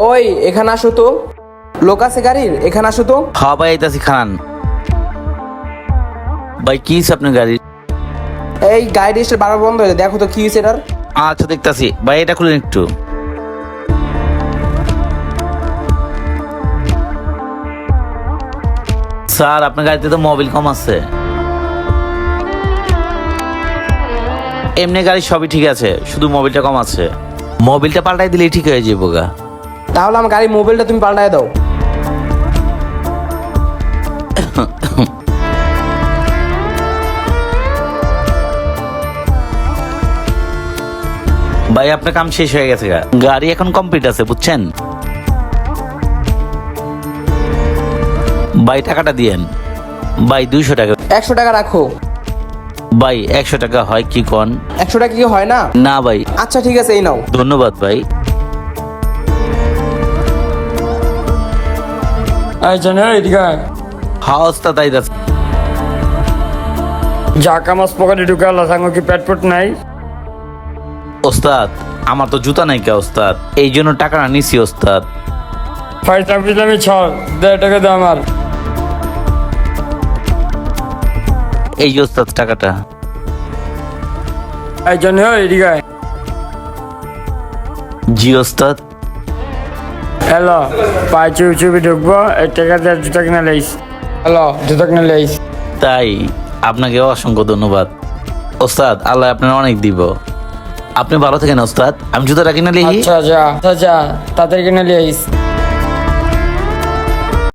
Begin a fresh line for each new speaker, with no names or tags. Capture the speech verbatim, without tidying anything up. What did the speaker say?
ওই এখানে আসো তো, লোক আছে গাড়ির, এখানে আসো তো।
হ্যাঁ ভাই আইতাছি খান। ভাই কি হইছে আপনার গাড়ি?
এই গাড়ি এসে বারবার বন্ধ হয়ে যায়, দেখো তো কি হয়েছে এটার।
আচ্ছা দেখতাছি ভাই, এটা খুলেন একটু। স্যার আপনার গাড়িতে তো মোবিল কম আছে। এমনি গাড়ি সবই ঠিক আছে, শুধু মোবিলটা কম আছে। মোবিলটা পাল্টাই দিলেই ঠিক হয়ে যাবো গা।
তাহলে আমার গাড়ির মোবাইলটা তুমি পাল্টায় দাও।
ভাই আপনার কাম শেষ হয়ে গেছে গা, গাড়ি এখন কমপ্লিট আছে বুঝছেন। ভাই টাকাটা দিয়েন। ভাই দুইশো টাকা।
একশো টাকা রাখো।
ভাই একশো টাকা হয় কি কন?
একশো টাকা কি হয় না?
না ভাই।
আচ্ছা ঠিক আছে, এই নাও।
ধন্যবাদ ভাই।
আচ্ছা না এদিকে আয়।
হ্যাঁ ওস্তাদ আইতাছে।
যা কামাজ পকেটে ঢুকে আল্লাহ সাঙ্গ কি পেট ফুট নাই?
ওস্তাদ আমার তো জুতা নাই কে ওস্তাদ, এই জন্য টাকাটা নিছি ওস্তাদ।
ফাইজলাম ফিজলামি ছড়, দেড় টাকা দে আমার।
এই যে ওস্তাদ টাকাটা।
এই জন্য এদিকে আয়।
জি ওস্তাদ।
হ্যালো, পায়ে চুপি চুপি ঢুকবো, এই টাকা দিয়ে জুতা কিনে লাইস। হ্যালো, জুতা কিনে লাইস।
তাই আপনাকে অসংখ্য ধন্যবাদ ওস্তাদ, আল্লাহ আপনার অনেক দিব। আপনি ভালো থাকেন ওস্তাদ, আমি জুতাটা কিনে লিখি।
আচ্ছা যা, আচ্ছা যা, তাড়াতাড়ি কিনে লাইস।